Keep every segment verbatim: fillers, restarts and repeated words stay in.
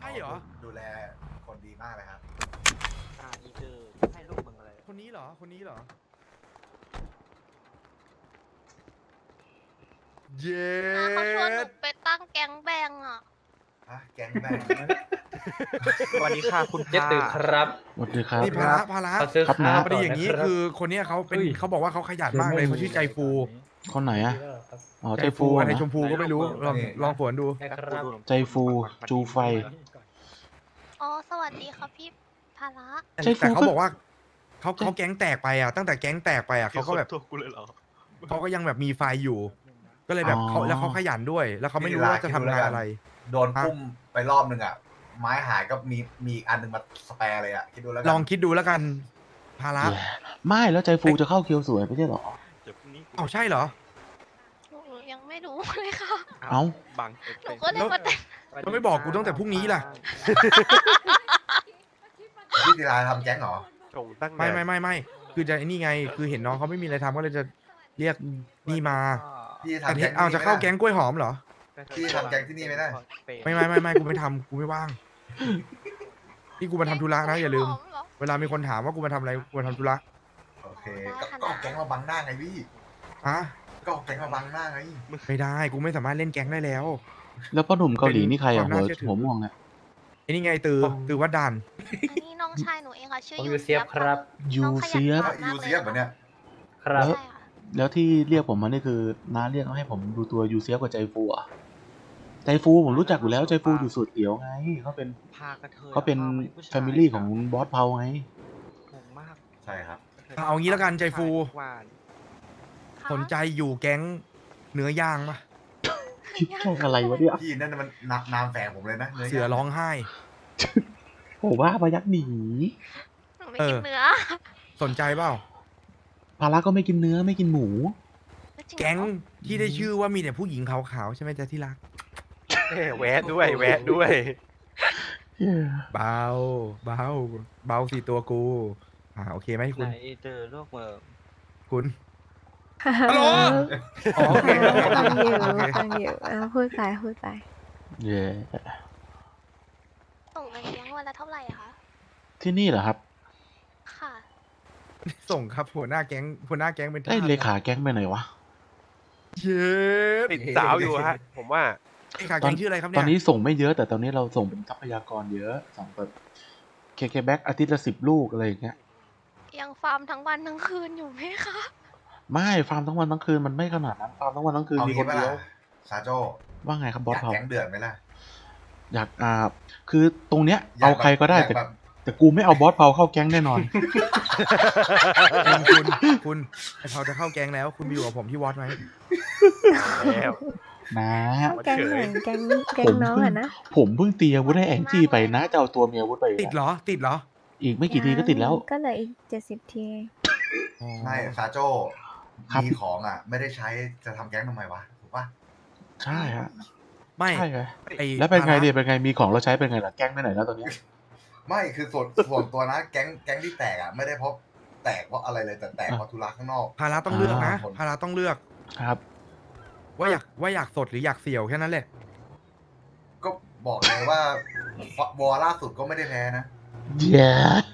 ช่เหรอดูแลคนดีมากเลยครับอ่าอีเจอให้ลูกมึงอะไรคนนี้เหรอคนนี้เหรอเย้อ่าเขาชวนหนูไปตั้งแก๊งแบงอ่ะฮะ แก๊งแบงสวัสดีค่ะคุณเจ๊ตึกครับสวัสดีครับนี่ภาระภาระขอซื้อครับข้าวพอดีอย่างนี้ก่ะรับคือคนเนี้ยเขาเป็นเขาบอกว่าเขาขยันมากเลยเขาชื่อใจฟูคนไหนอะอ๋อใจใจฟูฟูอะไรนะชมพูก็ไม่รู้ลองลองฝนดูนะครับใจฟูจูไฟอ๋อ สวัสดีครับพี่ภาระแต่ใจฟูเขาก็บอกว่าเขาเขาแก๊งแตกไปอ่ะตั้งแต่แก๊งแตกไปอ่ะเขาก็แบบตัวกูเลยเหรอเขาก็ยังแบบมีไฟอยู่ ก็เลยแบบเขาแล้วเขาขยันด้วย แล้วเขาไม่รู้ว่าจะทำงานอะไรโดนพุ่มไปรอบนึงอ่ะ ไม้หายก็มีมีอีกอันหนึงมาสแปร์เลยอ่ะ คิดดูแล้วกัลองคิดดูแล้วกันภาระไม่แล้วใจฟูจะเข้าเคียวสวยไม่ใช่เหรอเดี๋ยวพรุ่งนี้เอ้าใช่เหรอหนูยังไม่รู้เลยค่ะเอ้าบังหนูก็เลยมาแต่งแล้วไม่บอกกูตั้งแต่พรุ่งนี้ล่ะพี่ศิลาทำแก๊งเหรอส่งตั้งไม่ไม่ไม่ไม่คือจะไอ้นี่ไง คือเห็นน้องเขาไม่มีอะไรทำก็เลยจะเรียกนี่มาพี่แต่ทำเห็แก๊นงเอาจะเข้าที่แก๊งกล้วยหอมเหรอพี่ทำแก๊งที่นี่ไม่ได้ไม่ไม่ไม่ไม่กูไม่ทำกูไม่ว่างนี่กูมาทำธุระนะอย่าลืมหอเหรอเวลามีคนถามว่ากูมาทำอะไรกูมาทำธุระโอเค ก็ก็เอาแก๊งมาบังหน้าไงพี่ฮะก็เอาแก๊งมาบังหน้าไงไม่ได้กูไม่สามารถเล่นแก๊งได้แล้วแล้วพ่อหนุ่มเกาหลีนี่ใครควาอะมหัวน่าเชื่อถือหัวม่วงเนี่ยไอ้นี่ไงตือตือวัดด่านอันนี้น้องชายหนูเองค่ะ ชื่อผมยูยูเซียบครับยูเซียบน้องขยูนเซียบเหมือนเนี่ยครับใช่ค่ะแล้วที่เรียกผมมานี่คือน้าเรียกให้ผมดูตัวยูเซียบกับใจฟูอะใจฟูผมรู้จักอยู่แล้วใจฟูอยู่สุดเขียวไงเขาเป็นพากระเทยเขาเป็นพผู้ชายแฟมิลี่ของบอสเพาไงงงมากใช่ครับเอางี้แล้วกันใจฟูหวานสนใจอยู่แก๊งเนื้อย่างปะแค่อะไรวะเนี่ยพี่นั่นมันนามนามแฝงผมเลยนะเสือร้องไห้ผมว่าพยักหนีหนูไม่เออกินเนื้อสนใจเปล่าภาระก็ไม่กินเนื้อไม่กินหมูจริเหรอแก๊งที่ได้ชื่อว่ามีแต่ผู้หญิงขาวๆใช่ไหมจ๊ะที่รักเอ้ยแวะด้วยแวะด้วยเบาเบาเบาสี่ตัวกูอ่าโอเคไหมไหคุณนเจอลูกเมืองคุณฮัลโหลอ๋อโอเคโอเคฟังอยู่โอเคฟังอยู่อ่ะพูดไปพูดไปเย่ส่งเงินเลี้ยงวันละเท่าไหร่อะคะที่นี่เหรอครับค่ะส่งครับหัวหน้าแก๊งหัวหน้าแก๊งเป็นไอ้ยทสเลขาแก๊งไปไหนวะเย้ติดสาวอยู่ฮะ ผมว่าเลขาแก๊งชื่ออะไรครับตเนี่อย นนี้ส่งไม่เยอะแต่ตอนนี้เราส่งเป็นทรัพยากรเยอะส่งแบบเคเคแบ็กอาทิตย์ละสิบลูกอะไรอย่างเงี้ยยังฟาร์มทั้งวันทั้งคืนอยู่ไหมคะไม่ฟาร์มทั้งวันทั้งคืนมันไม่ขนาดนั้นฟาร์มทั้งวันทั้งคืนเอามีงี้คนปะเดียล่ะวซาโจว่าไงครับบออสยากเขาแก๊งเดือดไหมล่ะอยากอ่าคือตรงเนี้ยยเอาแบบใครก็ได้อยาแต่แบบแต่กูไม่เอาบอสเผาเข้าแก๊งแน่นอนคุณคุณไอเขาจะเข้าแก๊งแล้วคุณไปอยู่กับผมที่วอดไหมแล้วนะแก๊งไหนแก๊งแก๊งน้องอะนะผมเพิ่งตีอาวุธให้แองจี้ไปนะจะเอาตัวเมียอาวุธไปอีกติดเหรอติดเหรออีกไม่กี่ทีก็ติดแล้วก็เหลืออีกเจ็ดสิบทีอ๋อไม่ซาโจครับมีของอ่ะ ไม่ได้ใช้จะทำแก๊งทำไมวะ ถูกปะใช่ฮะไม่ใช่ไงไอ้แล้วเป็นไงภาระเนี่ยเป็นไงมีของเราใช้เป็นไงล่ะแก๊งไปไหนแล้วตอนเนี้ยไม่คือส่วนส่วนตัวนะ แก๊งแก๊งที่แตกอ่ะ ไม่ได้เพราะแตกเพราะอะไรเลยแต่แตกเพราะธุระข้างนอกภาระต้องเลือกนะอ่าภาระต้องเลือกครับว่าอยากว่าอยากสดหรืออยากเสี่ยวแค่นั้นแหละก็บอกเลยว่าวอลล่าสุดก็ไม่ได้แพ้นะเย้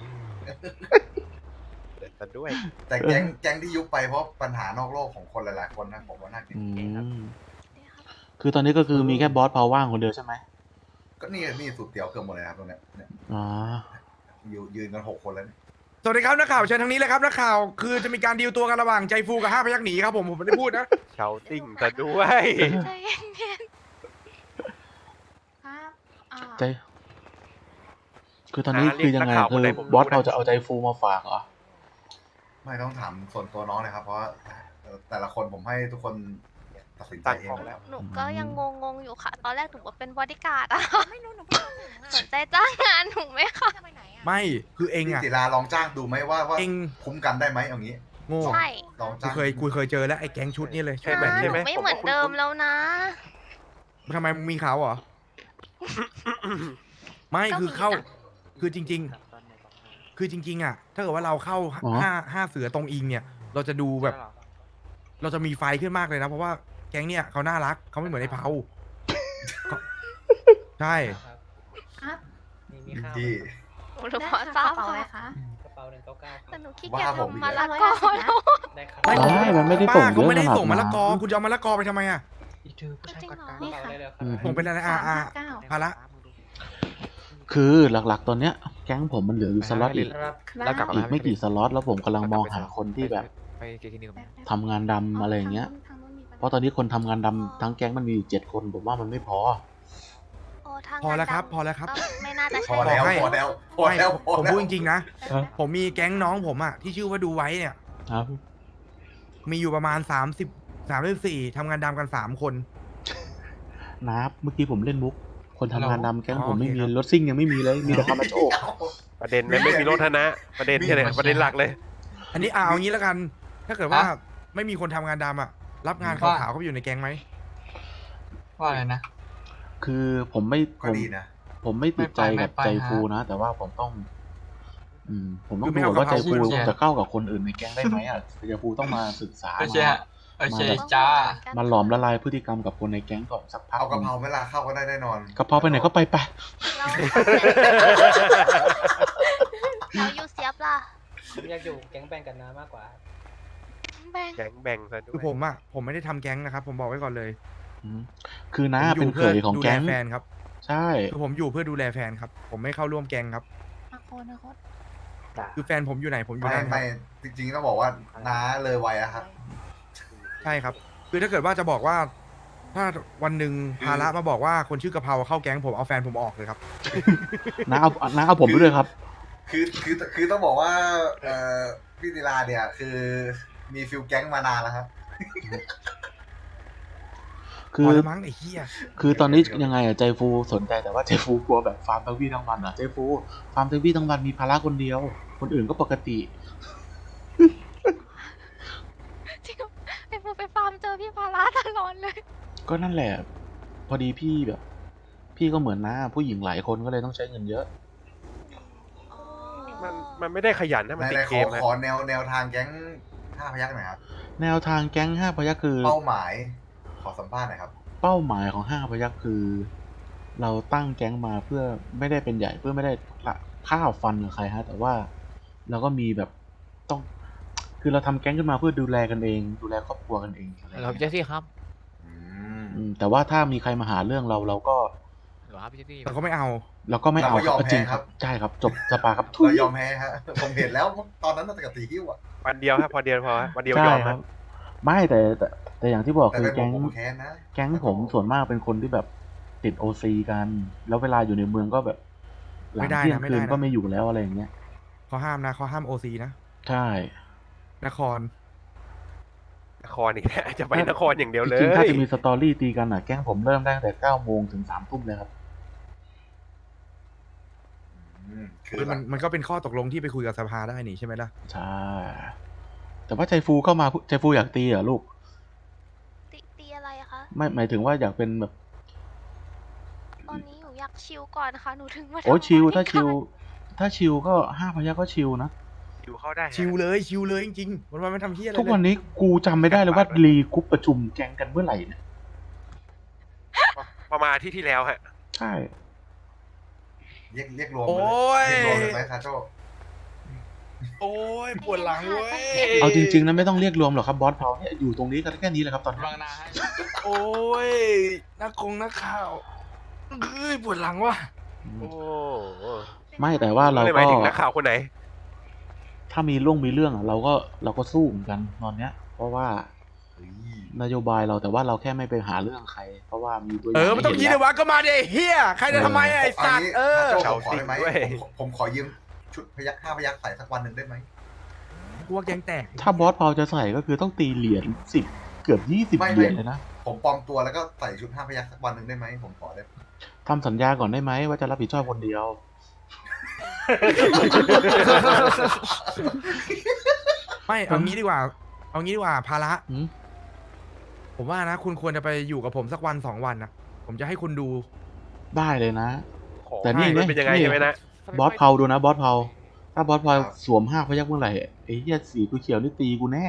แต่ด้วยแต่แก๊งแก๊งที่ยุบไปเพราะปัญหานอกโลกของคนหลายๆคนนะผมว่าน่าคิดอืมนี่ครับคือตอนนี้ก็คือมีแค่บอสเผาว่างคนเดียวใช่ไหมก็นี่นี่สุดเตี๋ยวเกือบหมดเลยครับตรงเนี้ยเนี่ยอ๋ออยู่ยืนกันหกคนแล้วเนี่ยสวัสดีครับนักข่าวเชิญทางนี้เลยครับนักข่าวคือจะมีการดีลตัวกันระหว่างใจฟูกับห้าพยักหนีครับผมผมไม่ได้พูดนะเชาติ้งแต่ด้วยใจเย็นๆครับอ่าใจ คือตอนนี้คือยังไงคือบอสเผาจะเอาใจฟูมาฝากเหรอไม่ต้องถามส่วนตัวน้องเลยครับ เพราะว่าเอ่อแต่ละคนผมให้ทุกคนตัดสินใจตั้งเอของ งแล้วหนูก็ยังงงๆอยู่ค่ะ ตอนแรกหนูว่าเป็นบอดี้การ์ดอะไม่รู้หนูสนใจจ้างงานหนูไหมคะไม่คือเองพี่อ่ะศิลาลองจ้างดูไหมว่าว่าเองคุ้มกันได้ไหมเอางี้โง่ใช่ลองกูจ้างเคยกูเคยเจอแล้วไอ้แก๊งชุดนี่เลยใช่ชุดไหมแบบหนี้นูใช่ไม่เหมือนเดิมแล้วนะทำไมมึงมีเขาเหรอ ไม่คือเข้า คือจริง ๆ คือจริง ๆ อ่ะ ถ้าเกิดว่าเราเข้าอ๋อห้าห้าเสือตรงอิงเนี่ย เราจะดูแบบ เราจะมีไฟขึ้นมากเลยนะ เพราะว่าแก๊งเนี่ยเขาน่ารักเขาไม่เหมือนไอ้เผาเขาใช่ครับมีข้าวจี้หนูพอทราบกระเป๋าอะไรค่ะคะกระเป๋าหนึ่งเก้าเก้าแต่หนูขี้ว่าเกียจผมอีกทำมาแล้ละวกอร้อยห้าสิบนะแล้วได้ครับไม่ได้มันไม่ได้ป้าส่งเขาไม่ได้เยอะขนาดส่งมะละกอนั้นคุณจะเอามะละกอไปทำไมอ่ะอีกถือผู้ชายกดกลางนี่กระค่ะเป๋าได้เลยคอืรัมบผมเป็นอะไรอ่าอ่าเก้าภาระคือหลักๆ ตอนเนี้ยแก๊งผมมันเหลืออยู่สล็อตอีกครับแล้วกลับอีกไม่กี่สล็อตแล้วผมกำลังมองหาคนที่แบบไปเกคลินิกก่อนไหมทำงานดำอะไรอย่างเงี้ย เพราะตอนนี้คนทำงานดำทั้งแก๊งมันมีอยู่เจ็ดคนผมว่ามันไม่พอโอ้ทางพอแล้วครับงานดำพอแล้วครับก็ไม่น่าจะพใช่อแล้วให้พอแล้วพอไม่แล้วพอผมแล้วพูดจริงๆนะครับผมมีแก๊งน้องผมอ่ะที่ชื่อว่าดูไว้เนี่ยครับมีอยู่ประมาณสามสิบสามสิบสี่ทำงานดำกันสามคนนับเมื่อกี้ผมเล่นมุก คนทำงานดำแก๊งอ๋อผมไม่มีโอเคครับรถซิ่งยังไม่มีเลยมีแต่คาร์มาโชประเด็นเลยไม่มีรถนะ ประเด็นแค่ไหนประเด็นหลักเลยอันนี้เอาอย่างนี้แล้วกัน ถ้าเกิดว่าไม่มีคนทำงานดำอ่ะ รับงานขาวๆเขาไปอยู่ในแก๊งไหมว่าอะไรนะคือผมไม่ผก็มดีนะผมไม่ติดใจไม่กับไปใจฮะฟูนะ แต่ว่าผมต้อง อืม ผมต้องคือไม่ดูเอาว่าใจกะเพราฟูพูดใช่ไหมจะเข้ากับคนอื่นในแก๊งได้ไหมอ่ะใจฟูต้องมาศึกษาโอเคมาฮะโอเคมาแบบจ้ามาหลอมละลายพฤติกรรมกับคนในแก๊งก่อนสักพักเอากะเพราหนึ่งไม่ลาเข้าก็ได้แน่นอนกะเพราไปไหนก็ไปไปเราเราอยู่เสียบล่ะผมอยากอยู่แก๊งแบ่งกันน้ามากกว่าแบ่งแก๊งแบ่งซะด้วคือย ผมอ่ะผมไม่ได้ทำแก๊งนะครับ ผมบอกไว้ก่อนเลยอืมคือน้าผมอเป็นยู่เขเพื่อยของดูแลแก๊งแฟนครับใช่คือผมอยู่เพื่อดูแลแฟนครับ ผมไม่เข้าร่วมแก๊งครับอาโคนะโคตคือแฟนผมอยู่ไหนผมอยู่ไม่นั่นครับไม่จริงๆต้องบอกว่าน้าเลยวัยอะครับใช่ครับ คือถ้าเกิดว่าจะบอกว่า ถ้าวันหนึ่งภาระมาบอกว่าคนชื่อกะเพราเข้าแก๊งผมเอาแฟนผมออกเลยครับน้าเอาน้าเอาผมไปด้วยครับคือคือคือต้องบอกว่าเอ่อพี่ศิลาเนี่ยคือมีฟิลแก๊งมานานแล้วครับพคืออแล้วมั้งไอ้เหี้ยคือตอนนี้ยังไงอะใจฟูสนใจแต่ว่าใจฟูกลัวแบบฟาร์มทั้งวี่ทั้งวันอะใจฟูฟาร์มทั้งวี่ทั้งวันมีภาระคนเดียว คนอื่นก็ปกติจริงไอ้พวกไปฟาร์มเจอพี่ภาระตลอดเลยก็นั่นแหละ พอดีพี่แบบ พี่ก็เหมือนน้าผู้หญิงหลายคนก็เลยต้องใช้เงินเยอะมันมันไม่ได้ขยันนะมันในติในดขเกอมฮะขอแนวแนวทางแก๊งห้าพยักหน่อยครับแนวทางแก๊งห้าพยัคฆ์คือเป้าหมาย ขอสัมภาษณ์หน่อยครับเป้าหมายของห้าพยัคฆ์คือ เราตั้งแก๊งมาเพื่อไม่ได้เป็นใหญ่เพื่อไม่ได้ข้าวฟันกับใครฮะ แต่ว่าเราก็มีแบบต้อง คือเราทำแก๊งขึ้นมาเพื่อดูแลกันเอง ดูแลครอบครัวกันเองอะไรอย่างเราเงี้ยพี่เจสซี่ครับอืมอืมแต่ว่าถ้ามีใครมาหาเรื่องเราเราก็หรอครับพี่เจสซี่แต่ก็ไม่เอาเราก็ไม่เอาเราก็ยอมก็จริงแพ้คครัรับ บใช่ครับ จบสปาครับทุเรายยอมแพ้ฮะ ผมเห็นแล้วตอนนั้นตั้งแต่กับตีหิ้วอะวันเดียวฮะพอเดียวพอฮะวันเดียวใช่ยอมครัฮะบ ไม่แต่แต่แต่อย่างที่บอกแต่คือเป็นผแก๊มงผมแค้นนะแก๊งผมส่วนมากเป็นคนที่แบบติดโอซีกัน แล้วเวลาอยู่ในเมืองก็แบบหลังไม่ได้นะเที่ยงไม่คืได้นนะก็ไม่อยู่แล้วอะไรอย่างเงี้ยเขาห้ามนะเขาห้ามโอซีนะใช่นครนครอีกแล้วจะไปนครอย่างเดียวเลจริงๆถ้าย จะมีสตอรี่ตีกันอ่ะแก๊งผมเริ่มได้ตั้งแต่เก้าโมงถึงสามทุ่มเลยครับอืมคืคือ อแบมันบมันก็เป็นข้อตกลงที่ไปคุยกับสภาได้นี่ใช่ไหมล่ะใช่ แต่ว่าใจฟูเข้ามาใจฟูอยากตีเหรอลูกตีตีอะไรอะคะไม่หมายถึงว่าอยากเป็นแบบตอนนี้หนูอยากชิลก่อนนะคะ หนูถึงมาโอ้ยทำชิลบริถ้าชิลกรถ้าชิลก็ห้าพยัคฆ์ก็ชิลนะอยู่เข้าได้ฮะชิวเลยชิวเลยจริงๆวันวันๆไม่ทำเหี้ยอะไรทุกเลยวันนี้กูจำไม่ได้เลยว่ารีกรุ๊ปประชุมแก๊งกันเมื่อไหร่เนี่ยประมาณอาที่ที่แล้วฮะใช่เรียกเรียกรวมโอ้ยเรียกรวมเลยไหมซาโจโอ้ยปวดหลังเว้ยเอาจริงๆนะไม่ต้องเรียกรวมหรอกครับบอสเผาเนี่ยอยู่ตรงนี้กันแค่นี้แหละครับตอนนี้บางนาให้โอ้ยนักคงนักข่าวเอ้ยปวดหลังว่ะโอ้ไม่แต่ว่าเราไม่หก็มายถึงนักข่าวคนไหนถ้ามีเรื่องมีเรื่องอ่ะเราก็เราก็สู้เหมือนกันตอนเนี้ย เพราะว่าเฮ้ยนโยบายเราแต่ว่าเราแค่ไม่ไปหาเรื่องใคร เพราะว่ามีตัวอเอย่าง อไม่ต้องคิดให้เลเห็นยวะก็มาดิไอ้เฮียใครจะทำไมอะไอ้สัตว์เออซาโจผมขอได้ไหมเฉาจริงด้วยผมผมขอยืมชุดพยักห้าพยักใส่สักวันหนึ่งได้ไหมกลัวแกงแตกถ้าบอสเผาจะใส่ก็คือต้องตีเหรียญสิบเกือบยี่สิบไม่เหรียญไม่เลยนะผมปลอมตัวแล้วก็ใส่ชุดห้าพยักสักวันหนึ่งได้ไหมผมขอได้ทำสัญญาก่อนได้ไหมว่าจะรับผิดชอบคนเดียวไม่เอางี้ดีกว่า เอางี้ดีกว่าภาระหืมผมว่านะ คุณควรจะไปอยู่กับผมสักวันสองวันนะผมจะให้คุณดูได้เลยนะของแต่นี่ให้มันไงเป็นยังไงนี่ใช่ไหมนะบอสเผาดูนะบอสเผาถ้าบอสเผาสวมห้าพยักเมื่อไหร่ไอ้เหี้ยสีกูเขียวนี่ตีกูแน่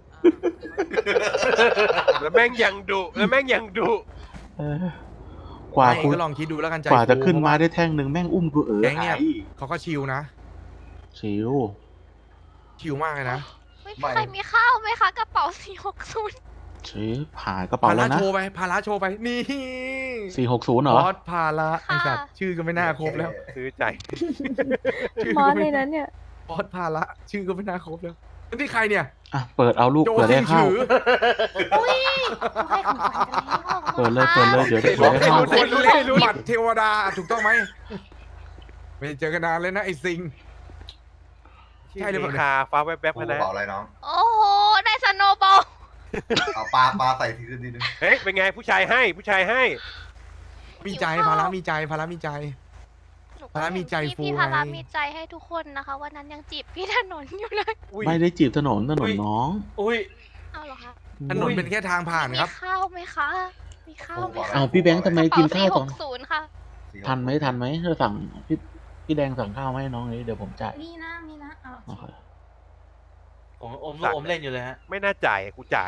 แล้วแม่งยังดุแล้วแม่งยังดุเออกว่าไม่คุณก็ลองคิดดูแล้วกันใจกว่าจะฟูขึ้นเพระมาได้แท่งหนึ่งแม่งอุ้มกูเออแก๊งเนี่ยหายเขาก็ชิลนะชิวชิลมากเลยนะไม่มีใครมีข้าวไหมคะกระเป๋าสี่หกศูนย์ชิวหายกระเป๋าพาแล้ระวนะโชว์ไปพาระโชว์ไปนี่สี่หกศูนย์เหรบออสพาระไอ้สัตว์ชื่อก็ไม่น่าครบแล้วซื้อใจชื่บอสก็ในไม่นั้นเนี่ยบอสพาระชื่อก็ไม่น่าครบแล้วนี่ใครเนี่ยอ่ะ เปิดเอาลูกโจเปิดได้ซิงข้าวฉืออุ้ยให้ของขวัญกันแล้วเปิดเลยเปิดเลยเดี๋ยวได้บเปิอดกได้ให้ข้าวรู้คนเล่นบัตรเทวดาถูกต้องไหมไม่ได้เจอกันนานเลยนะไอ้ซิง ใช่หรือเปล่าคาฟ้าแวบกูๆกนะระเป๋าอะไรน้องโอ้โหได้สโนว์บอลเอาปลาปลาใส่ทีคืนทีนึงเฮ้ย เป็นไงผู้ชายให้ผู้ชายให้มีใจพาระมีใจพาระมีใจ พาระมีใจฟูพี่พาระไงมีใจให้ทุกคนนะคะวันนั้นยังจีบพี่ถนนอยู่เลยไม่ได้จีบถนนถนนน้องอุ้ยเอาเหรอคะถนนเป็นแค่ทางผ่านมีครับข้าวไหมคะ มีข้าวไหมคะอ้าวพี่แบงค์ทำไมกินข้าวหตอนกศูนย์ค่ะทันไหมทันไหมถ้าสั่งพี่พี่แดงสั่งข้าวมาให้น้องนี้เดี๋ยวผมจ่ายมีนะ มีนะเอาโอเคผมอมลูกอมเล่นอยู่เลยฮะไม่น่าจ่ายกูจ่าย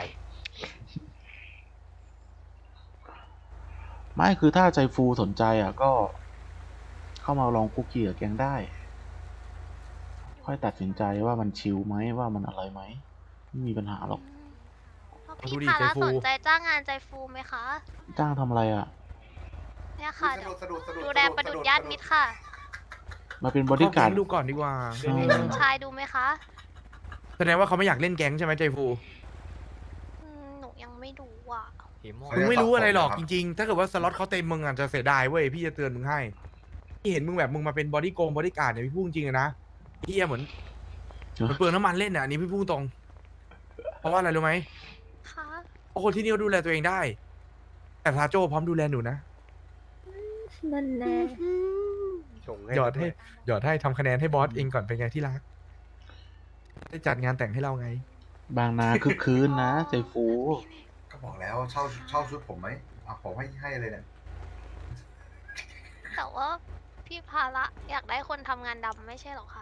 ไม่คือถ้าใจฟูสนใจอ่ะก็ เข้ามาลองคุกกี้กับแกงได้ ค่อยตัดสินใจว่ามันชิลไหมว่ามันอะไรไหมไม่มีปัญหาหรอกพี่ดูดิพาระใจฟูสนใจจ้างงานใจฟูไหมคะจ้างทำอะไรอ่ะเนี่ยค่ะสะดุดสะดุดสะดุดดูแลประดุจญาติมิตรค่ะมาเป็นบอดี้การ์ดเข้แก๊งดูก่อนดีกว่าอืมให้คุณชายดูไหมคะแสดงว่าเขาไม่อยากเล่นแก๊งใช่ไหมใจฟูอืมหนูยังไม่ดูอ่ะหิมโมมึงไม่รู้อะไรหรอกจริงๆ ถ้าเกิดว่าสล็อตเขาเต็มมึงอ่ะจะเสียดายเว้ยพี่จะเตือนมึงให้พี่เห็นมึงแบบมึงมาเป็นบอดี้โกงบอดี้การ์ดเนี่ยพี่พูดจริงๆนะพี่เหมือนเหมันเปลืองน้ำมันเล่นอ่ะอันนี้พี่พูดตรง เพราะว่าอะไรรู้ไหมค่ะเพราะคนที่นี่เขาดูแลตัวเองได้ แต่พาโจพร้อมดูแลหนูนะนั่นแน่ชงให้หยอดให้หยอดให้ทำคะแนนให้บอสเองก่อนเป็นไงที่รักได้จัดงานแต่งให้เราไงบางนาคึกคืนนะ ใจฟูก็บอกแล้วเช่าเช่าชุดผมไหมเอาผมให้ให้เลยเนี่ยแต่ว่าพี่พาระอยากได้คนทำงานดำไม่ใช่เหรอคะ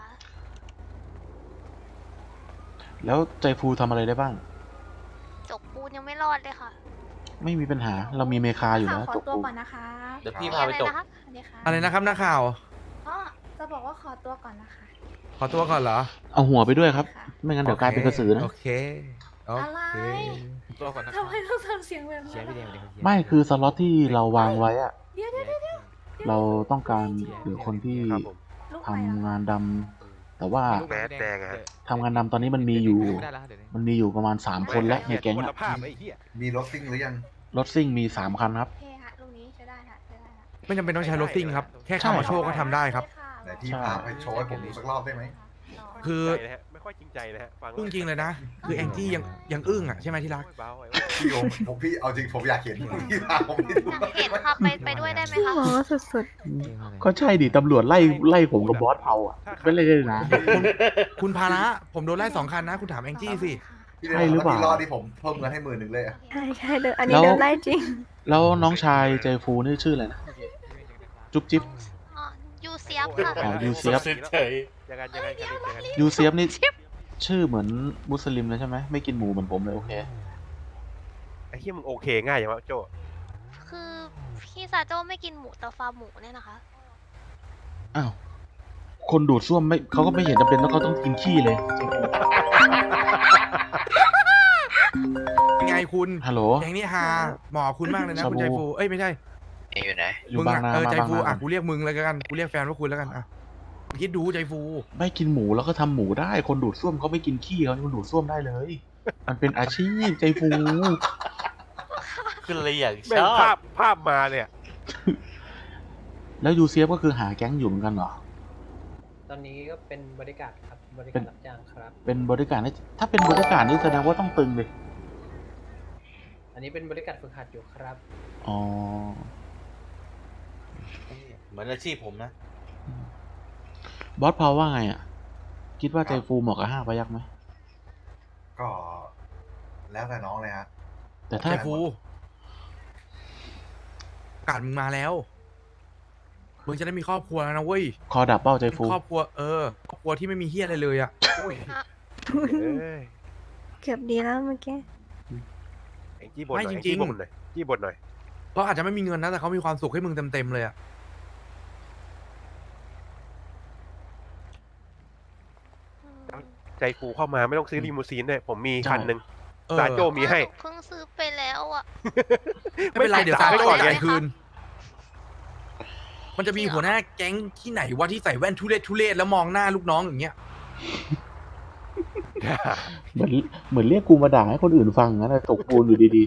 แล้วใจฟูทำอะไรได้บ้างจกปูนยังไม่รอดเลยค่ะไม่มีปัญหาเรามีเมคาอยู่แล้วขอจกตัวปูก่อนนะคะเดี๋ยวพี่พาไปจบอะไรนะคะสวัสดีค่ะอะไรนะครับนักข่าวอ๋อจะบอกว่าขอตัวก่อนนะคะขอตัวก่อนเหรอเอาหัวไปด้วยครับ ไม่งั้นเดี๋ยวกลายเป็นกระสือนะโอเคโออะไรเคตัวก่อนนะทำไมต้องทำเสียงแบบเชียนี้ร์พี่แดงเลยไม่คือสล็อตที่เราวางไว้อะเดี๋ยวเดี๋ยวเดี๋ยวเราต้องการเหลือคนที่ครับผมลูกทำใหม่เหรองานดำแต่ว่าแมสแดงอะฮะทำงานดำตอนนี้มันมีอยู่ได้แล้วเดี๋ยวนี้มันมีอยู่ประมาณสามคนแล้วในแก๊งคุณอะภาพไอ้เหี้ยมีรถซิ่งหรือยังรถซิ่งมีสามคันครับโอเคค่ะลูกนี้ใช้ได้ค่ะใช้ได้ค่ะไม่จำเป็นต้องใช้รถซิ่งครับ แค่ใช่คามาโชว์ก็ทำได้ครับไหนพี่พาไปโชว์ให้ผมดูสักรอบได้ไหมคือใจนะฮะไม่ค่อยจริงใจนะฮะฟังพูดจริงเลยนะ คือแองจี้ยังยังอึ้งอ่ะใช่ไหมที่รักเบาไอ้พี่โยมผมพี่เอาจริงผมอยากเห็นพี่พาผมไปดูอยากเห็นค่ะไปไปด้วยได้ไหมพี่คะหมอสุดก็ใช่ดิตำรวจไล่ไล่ผมกับบอสเผาอ่ะไม่เลยนะคุณพาระผมโดนไล่สองคันนะ คุณถามแองจี้สิพี่ใช่หรือเปล่าพี่รอดที่ผมเพิ่มเงินให้หมื่นหนึ่งเลยอะๆใช่ใช่เดินอันนี้แล้วเดินไล่จริงแล้วน้องชายใจฟูนี่ชื่ออะไรนะ จุ๊บจิ๊บอ๋อยูเซียบค่ะอ๋อยูเซียบยังไงยังไงยังไงยังไงยูเซียบนี่ชื่อเหมือนมุสลิมเลยใช่ไหมไม่กินหมูเหมือนผมเลยโอเคไอ้เหี้ยมึงโอเคง่ายอย่างวะโจคือพี่ซาโจ้ไม่กินหมูแต่ฟาร์มหมูเนี่ยนะคะอ้าว คนดูดซ่วมไม่เขาก็ไม่เห็นจำเป็นต้องเขาต้องกินขี้เลยยังไงคุณฮัลโหลแก๊งนี้ฮาหมอคุณมากเลยนะชาบูคุณใจฟู เอ้ยไม่ใช่อยู่ไหนอยู่มึงบางอะนาเออมาใจบางฟูนาอ่ะกูเรียกมึงแล้วกันกูเรียกแฟนว่าคุณแล้วกันอ่ะคิดดูใจฟูไม่กินหมูแล้วก็ทำหมูได้ คนดูดซ่วมเขาไม่กินขี้เขาคนดูดซ่วมได้เลย มันเป็นอาชีพใจฟูคืออะไรอย่างแม่งภาพภาพมาเนี่ยแล้วยูเซียบก็คือหาแก๊งอยู่เหมือนกันเหรอตอนนี้ก็เป็นบริการครับ บริการรับจ้างครับเป็นบริการนี่ถ้าเป็นบริการนี่แสดงว่าต้องตึงเลยอันนี้เป็นบริการฝึกหัดอยู่ครับอ๋อเหมือนอาชีพผมนะบอสพาวว่าไงอ่ะ คิดว่าใจฟูเหมาะกับห้าพยักไหมก็ แล้วแต่น้องเลยฮะแต่ถ้าใจฟูการมึงมาแล้ว มึงจะได้มีครอบครัวแล้วนะเว้ยคอดับเป้าใจเป็นฟูครอบครัวเออครอบครัวที่ไม่มีเฮียอะไรเลยอ่ะเอ้ยเกือบดีแล้วเมื่อกี้ไอ้จี้บทหน่อยไอ้จี้บทหน่อยจี้บทหน่อยเขาอาจจะไม่มีเงินนะแต่เขามีความสุขให้มึงเต็มๆเลยอะอืมใจฟูเข้ามาไม่ต้องซื้อลีมูซีนด้วยผมมีใช่คันหนึ่งเออซาโจมีให้หนูเพิ่งซื้อไปแล้วอ่ะไม่เป็นไรเดี๋ยวซาไม่โจ้ก่อนจ่ายไงคืน มันจะมีหัวหน้าแก๊งที่ไหนวะที่ใส่แว่นทุเรศทุเรศแล้วมองหน้าลูกน้องอย่างเงี้ยเหมือนเหมือนเรียกกูมาด่าให้คนอื่นฟังนะตกปูนอยู่ดี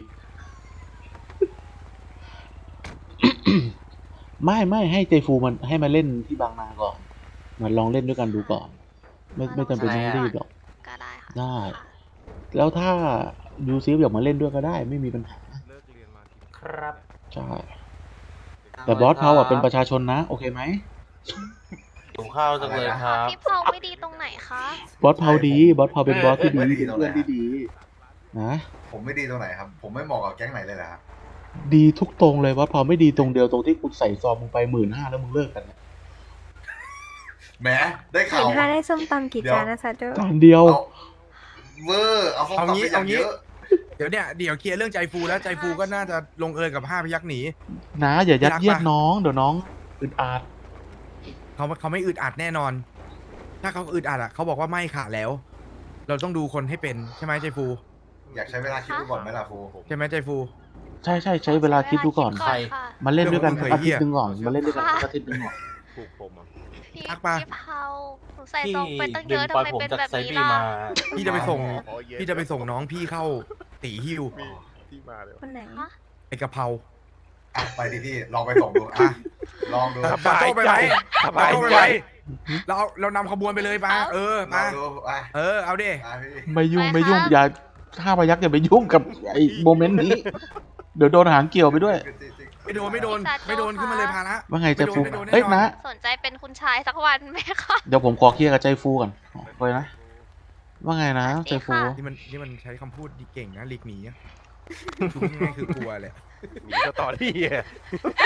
ๆ ไม่ไม่ให้เจฟูมันให้มาเล่นที่บางนาก่อนมาลองเล่นด้วยกันดูก่อน ไม่ไม่จำเป็นต้องรีบหรอกก็ได้ค่ะได้ค่ะแล้วถ้ายูซีฟอยากมาเล่นด้วยก็ได้ไม่มีปัญหาครับใช่ แต่บอสเขาอะเป็นประชาชนนะ โอเคไหมหิวข้าวจังเลยครับพี่เผาไม่ดีตรงไหนคะบอสเผาดีบอสเผาเป็นบอสที่ดีไม่ดีเป็นตรงไหนเพื่อนที่ดีนะผมไม่ดีตรงไหนครับ ผมไม่เหมาะกับแก๊งไหนเลยเหรอครับดีทุกตรงเลยบอสเผาไม่ดีตรงเดียวตรงที่คุณใส่ซองมึงไปหมื่นห้าแล้วมึงเลิกกันเนี่ยแหมได้หข่ามื่วนห้าได้ส้มตำกี่เดี๋ยวจานนะซาโจจานเดียวเอาเวอร์เอาส้มเอาตำงี้ไปอย่างเอางี้เยอะเดี๋ยวเนี่ยเดี๋ยวเคลียร์เรื่องใจฟูแล้วใจฟูก็น่าจะลงเอยกับห้าพยักหนีนะอย่ายัดเยียดรักปะน้องเดี๋ยวน้องอึดอัดเขาเขาไม่อึดอัดแน่นอน ถ้าเขาอึดอัดอ่ะเขาบอกว่าไม่ค่ะแล้ว เราต้องดูคนให้เป็นใช่ไหมใจฟูอยากใช้เวลาคิดดูก่อนไหมล่ะฟูใช่ไหมใจฟูใช่ใช่ใช้เวลาคิดดูก่อนใช่ค่ะมาเล่นด้วยกันเรื่องสักของอามึงทิตย์หนึงก่อนมาเล่นด้วยกันค่ะสักอาทิตย์หนึงก่อนถูกผมอ่ะพี่ทักปะพี่เผาหนูใส่ซองไปตั้งเยอะทำไมเป็นแบบนี้ล่ะพี่จะไปส่งอ๋อเย็นพี่จะไปส่งน้องพี่เข้าตีฮิวมีที่มาเลยคนไหนฮะไอกะเพราอ่ะไปดิพี่ลองไปส่งดูอ่ะลองดูสบายโจ้ไปไหมสบายโจ้ไปใจไหมเราเอาเรานำขบวนไปเลยปะเออลอปะงดูอ่ะเออเอาดิอ่ะพี่ไม่ยุ่งไปไม่ยุ่งค่ะอย่าถ้าพยักอย่าไปยุ่งกับไอ้โมเมนต์นี้ เดี๋ยวโดนหางเกี่ยวไปด้วยไม่โดนไม่โดนไม่โดนขึ้นมาเลยพาละว่าไงใจฟูไม่โดนไม่โดนเอ้ยแน่นอนนะสนใจเป็นคุณชายสักวันไหมคะเดี๋ยวผมขอเคลียร์กับใจฟูก่อนไปนะ ว่าไงนะใจฟูสวัสดีค่ะนี่มันนี่มันใช้คำพูดดีเก่งนะลิกหนีอะคือง่ายๆคือกลัวเลยมีสตอรี่อ่ะ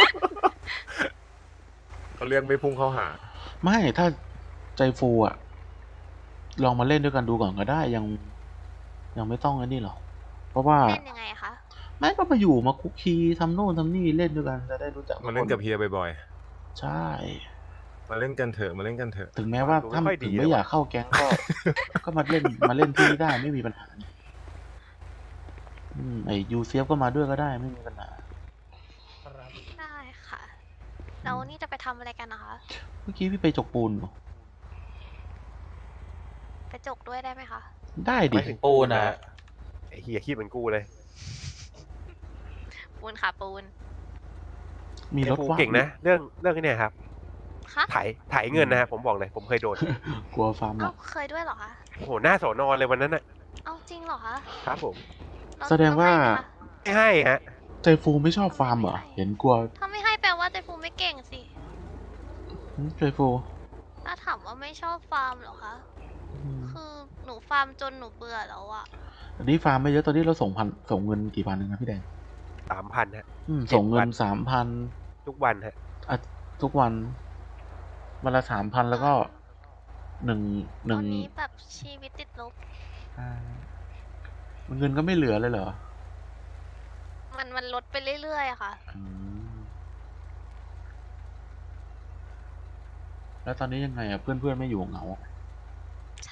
เขาเรียกไม่พุ่งเข้าหาไม่ถ้าใจฟูอะลองมาเล่นด้วยกันดูก่อนก็ได้ยัง ยังไม่ต้องอันนี้หรอกเพราะว่าเล่นยังไงคะแม่ก็มาอยู่มาคุกคีทำโน่นทำนี่เล่นด้วยกันจะได้รู้จักมาเล่นกับเฮียบ่อยใช่ๆ มาเล่นกันเถอะ มาเล่นกันเถอะถึงแม้ว่าดูไม่ถ้าค่อยดีถึงไม่เลยอยากเข้าแก๊งก็ ก็มาเล่นมาเล่นที่นี่ได้ไม่มีปัญหาอืมไอยูเซียฟก็มาด้วยก็ได้ไม่มีปัญหาครับได้ค่ะแล้วนี่จะไปทำอะไรกันนะคะเมื่อกี้พี่ไปจกปูนเหรอไปจกด้วยได้ไหมคะได้ดิไม่ถึงปูนนะไอ้เฮียคิดเหมือนกูเลยปูนค่ะปูนมีรถไอ้ฟูว่างเก่งนะ เรื่องเรื่องนี้ครับคะถ่ายถ่ายเงินนะผมบอกเลย ผมเคยโดนกลัวฟาร์มหเอ้าลักเคยด้วยเหรอคะโอ้โหหน้าสอนอนเลยวันนั้นน่ะเอ้าจริงเหรอคะครับผมเรแสดงว่าต้องให้ไหมคะไม่ให้ฮะใจฟูไม่ชอบฟาร์มเหรอเห็นกลัวถ้าไม่ให้แปลว่าใจฟูไม่เก่งสิหึใจฟูถ้าถามว่าไม่ชอบฟาร์มเหรอคะอืมคือหนูฟาร์มจนหนูเบื่อแล้วอะอันนี้ฟาร์มไม่เยอะตอนนี้เราส่งพันส่งเงินกี่พันเองนะพี่แดงสามพันฮะอืมเจ็ดส่งเงิวัน นสามพันทุกวันฮะอ่ะทุกวันวันละสามพันแล้วก็หนึ่งหตนึ่อง นนี้แบบชีวิตติดลบอ่าเงินก็ไม่เหลือเลยเหรอมันมันลดไปเรื่อยๆอะค่ะอืมแล้วตอนนี้ยังไงอ่ะเพื่อนเพื่อนๆไม่อยู่เหงาใช่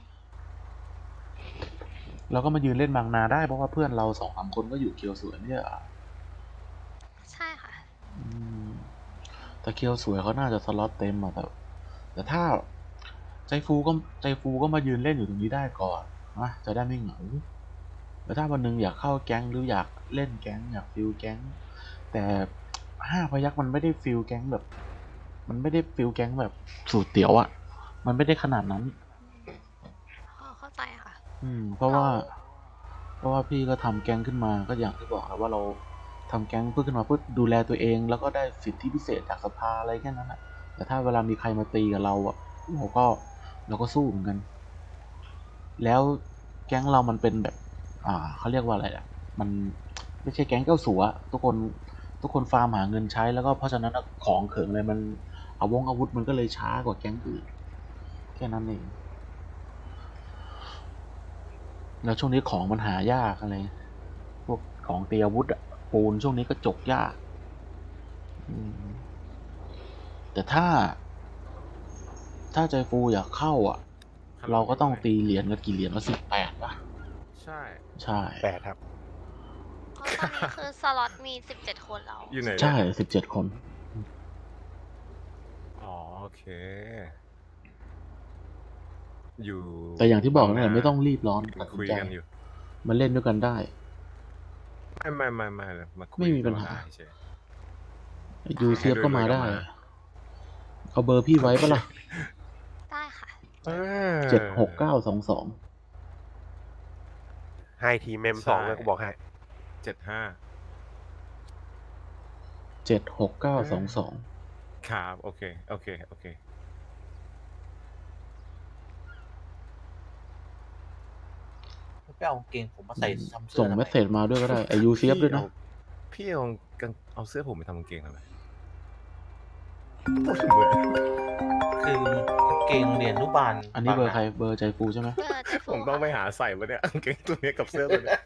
เราก็มายืนเล่นบางนาได้เพราะว่าเพื่อนเราสองสามคนก็อยู่เคียวสวยเนี่ยอ่ะใช่ค่ะอืมแต่เคียวสวยเขาน่าจะสล็อตเต็มอ่ะแต่แต่ถ้าใจฟูก็ใจฟูก็มายืนเล่นอยู่ตรงนี้ได้ก่อนนะจะได้ไม่เหงาแต่ถ้าวันหนึงอยากเข้าแก๊งหรืออยากเล่นแก๊งอยากฟิลแก๊ง แต่ห้าพยักมันไม่ได้ฟิลแก๊งแบบ มันไม่ได้ฟิลแก๊งแบบสูตรเตี๋ยวอ่ะ มันไม่ได้ขนาดนั้นพอเข้าใจค่ะอืม เพราะว่า เพราะว่าพี่ก็ทำแก๊งขึ้นมาก็อย่างที่บอกแล้วว่าเราทำแก๊งเพื่อขึ้นมาเพื่อดูแลตัวเอง แล้วก็ได้สิทธิพิเศษจากสภาอะไรแค่นั้นแหละแต่ถ้าเวลามีใครมาตีกับเราอ่ะเราก็เราก็สู้เหมือนกัน แล้วแก๊งเรามันเป็นแบบ อ่าเขาเรียกว่าอะไรอ่ะ มันไม่ใช่แก๊งเจ้าสัวทุกคนทุกคนฟาร์มหาเงินใช้แล้วก็เพราะฉะนั้นอะของเขิงอะไรมันเอาวงอาวุธมันก็เลยช้ากว่าแก๊งอื่นแค่นั้นเองแล้วช่วงนี้ของมันหายากอะไร พวกของเตรียมอาวุธอ่ะปูนช่วงนี้ก็จกยากอืมแต่ถ้า ถ้าใจฟูอยากเข้าอ่ะ เราก็ต้องตีเหรียญกันกี่เหรียญว่าสิบแปดป่ะใช่ใช่แปดครับเพราะตอนนี้คือสล็อตมีสิบเจ็ดคนแล้วอยู่ไหนใช่สิบเจ็ดคนอ๋อโอเค อยู่แต่อย่างที่บอกนั่นแหละไม่ต้องรีบร้อนตัดสิคุนยใจกันอยู่มันเล่นด้วยกันได้ไม่ไม่ไม่ไม่เลยมาคุยไม่มีปัญหากันเฉยยูเซียบก็มาได้ให้ด้วยเอาเบอร์พี่ไว้ปะล่ะได้ค่ะเออเจ็ดหกเก้าสองสองให้ทีมเมมสองเลยกูบอกให้เจ็ดห้าเจ็ดหกเก้าสองสองครับโอเคโอเคโอเคไปเอากางเกงผมมาใส่ทำเสื้อส่งทำไเมสเซจมาด้วยก็ได้ไอยูเซียบด้วยนะพี่เอากางเอาเสื้อผมไปทำกางเกงทำไมคือกางเกงเรียนอนุบาลอันนี้เบอร์ใครเบอร์ใจฟูใช่ไหมเบอร์ใจฟูผมต้องไปค่ะหาใส่มาเนี่ยกางเกงตัวเนี้ยกับเสื้อตัวเนี้ย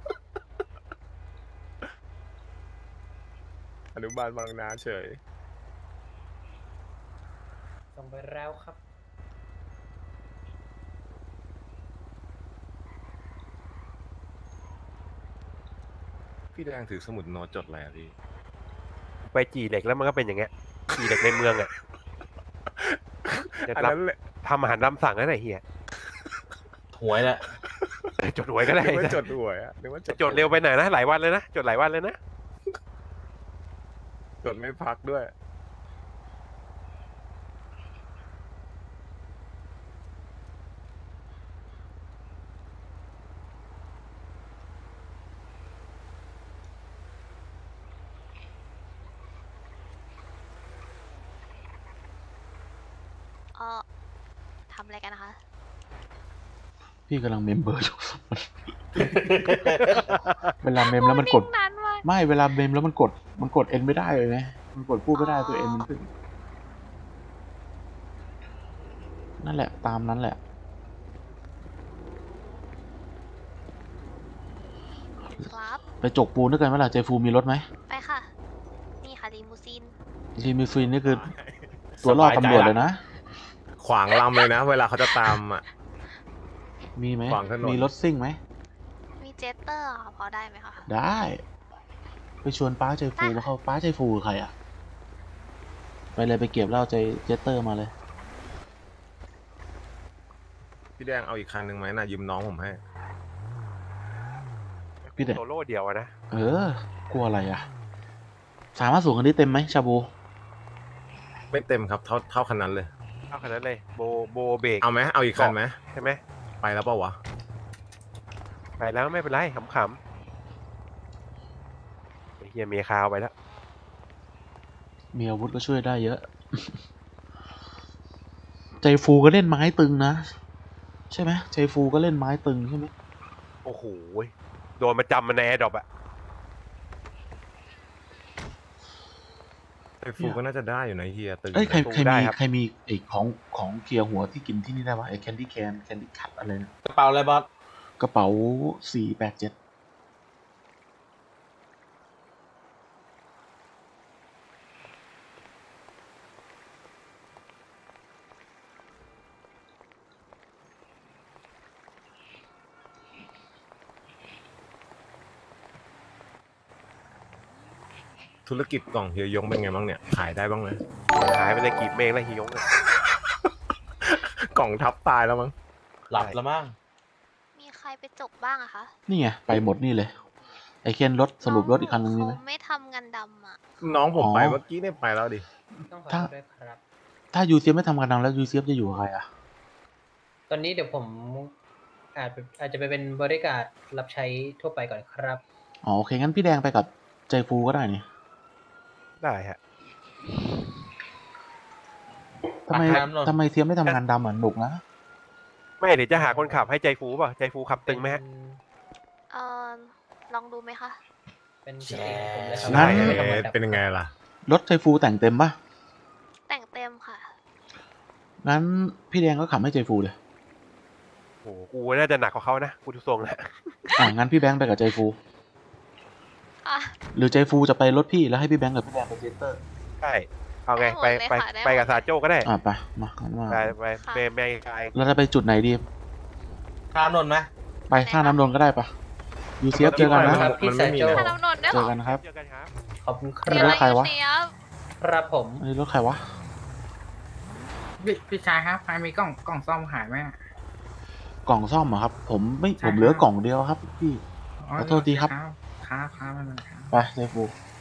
อนุบาลบางนาเฉยส่งไปแล้วครับพี่แดงถือสมุดโน้ตจดอะไรอะพี่ไปจีเหล็กแล้วมันก็เป็นอย่างเงี้ยจีเหล็กในเมืองอ่ะจะอันรับนั้นแหละทำอาหารตามสั่งนั่นแหละเฮียหวยแหละเออจดหวยก็ได้นึกว่าจดหวยอะนึกว่าจะจดเร็วไปไหนนะหลายวันเลยนะจดหลายวันเลยนะจดไม่พักด้วยเออทำอะไรกันนะคะพี่กำลังเมมเบอร์อยู่ เวลาเมมแล้วมันกดนานมากไม่เวลาเมมแล้วมันกด มันกดเอ็นไม่ได้เลยไงมันกดพูดไม่ได้ตัวเอ็นมันขึ้น นั่นแหละตามนั้นแหละครับไปจกปูนด้วยกันไหมล่ะใจฟูมีรถไหมไปค่ะ นี่ค่ะลีมูซีนลีมิฟินนี่คือตัวล่อตำรวจเลยนะขวางลำเลยนะ เวลาเขาจะตามอ่ะมีไหมขวางถนนมีรถซิ่งไหมมีเจสเตอร์ค่ะพอได้ไหมคะได้ ไปชวนป้าใจฟูมาเข้าป้าใจฟูคือใครอ่ะ ไปเลยไปเก็บเหล้าใจเจสเตอร์มาเลยพี่แดงเอาอีกคันหนึ่งไหมน่ะยืมน้องผมให้พี่เด็กโซโล่เดียวอะนะเออ กลัวอะไรอ่ะ สามารถสูงคันนี้เต็มไหมชาบูไม่เต็มครับเท่าเท่าคันนั้นเลยเอาขนาดนั้นเลยโบโบเบรกเอาไหมเอาอีกคันไหมใช่ไหมไปแล้วเปล่าวะไปแล้วไม่เป็นไรขำๆไอ้เฮียเมียคาวไปแล้วมีอาวุธก็ช่วยได้เยอะ ใจฟูก็เล่นไม้ตึงนะ ใช่ไหมใจฟูก็เล่นไม้ตึงใช่ไหมโอ้โหโดนมาจำมาในแอร์ดรอปอะไอ้ฟูก็น่าจะได้อยู่นะเฮียตึงเอ้ยใครใครมีใครมีไอ้ของของเคลียร์หัวที่กินที่นี่ได้ปะไอ้แคนดี้แคนแคนดี้คัทอะไรนะกระเป๋าอะไรบอสกระเป๋าสี่แปดเจ็ดธุรกิจกล่องเฮียยงเป็นไงบ้างเนี่ย ขายได้บ้างไหมหายไปเลยกีบเมฆแล้วฮิยงอะกล่องทับตายแล้วมั้งหลับแล้วมั้งมีใครไปจกบ้างอะคะนี่ไง ไปหมดนี่เลย ไอ้เคนรถสรุปรถอีกคันนึงนี่ไหมเขาไม่ทำงานดำอะน้องผมอ๋อไปเมื่อกี้เนี่ยไปแล้วดิต้องขอถ้าโทษด้วยครับถ้ายูเซียไม่ทำงานดังแล้วยูเซียจะอยู่กับใครอ่ะตอนนี้เดี๋ยวผมอาจไปอาจจะไปเป็นบริการรับใช้ทั่วไปก่อนครับอ๋อโอเคงั้นพี่แดงไปกับใจฟูก็ได้นี่ได้ฮะทำไมอ่ะครับนนท์ทำไมเซียไม่ทำงานดำเหมือนหนุกนะไม่เดี๋ยวจะหาคนขับให้ใจฟูป่ะใจฟูขับตึงไหมฮะเออลองดูไหมคะเป็นสิทธิ์ของผมเลยครับงั้นไม่ต้องมาดับเป็นยังไงล่ะรถใจฟูแต่งเต็มปะแต่งเต็มค่ะงั้นพี่แดงก็ขับให้ใจฟูเลยโอ้โหกูน่าจะหนักกว่าเขานะกูทุกทรงนะอ่ะงั้นพี่แบงค์ไปกับใจฟูอ่ะหรือใจฟูจะไปรถพี่แล้วให้พี่แบงค์กับพี่แดงไปเจสเตอร์ใช่เอาไงไปได้หมดเลยไปค่ะได้ไปกับหมดซาโจ้ก็ได้อ่ะไปมางั้นมาไปไปค่ะเมย์เมย์กายเราจะไปจุดไหนดีข้ามนนท์ไหมไปท่าน้ำนนท์ก็ได้ปะยูเซียฟเจอกันนะครับพี่มันสาไม่มีโจเลยถ้าน้ำนนท์ด้วยเจเหรออกันครับเจอกันครับขอบคุณคมีรัรบถใครวะเสียบครับผมอันนี้รถใครวะพี่พี่ชายครับใครมีกล่องกล่องซ่อมขายไหมอะกล่องซ่อมเหรอครับ ผมไม่ใช่ผมเหลือครับกล่องเดียวครับพี่ ขอโทษทีครับครับครับครับไม่เป็นไรครับไปใจฟูค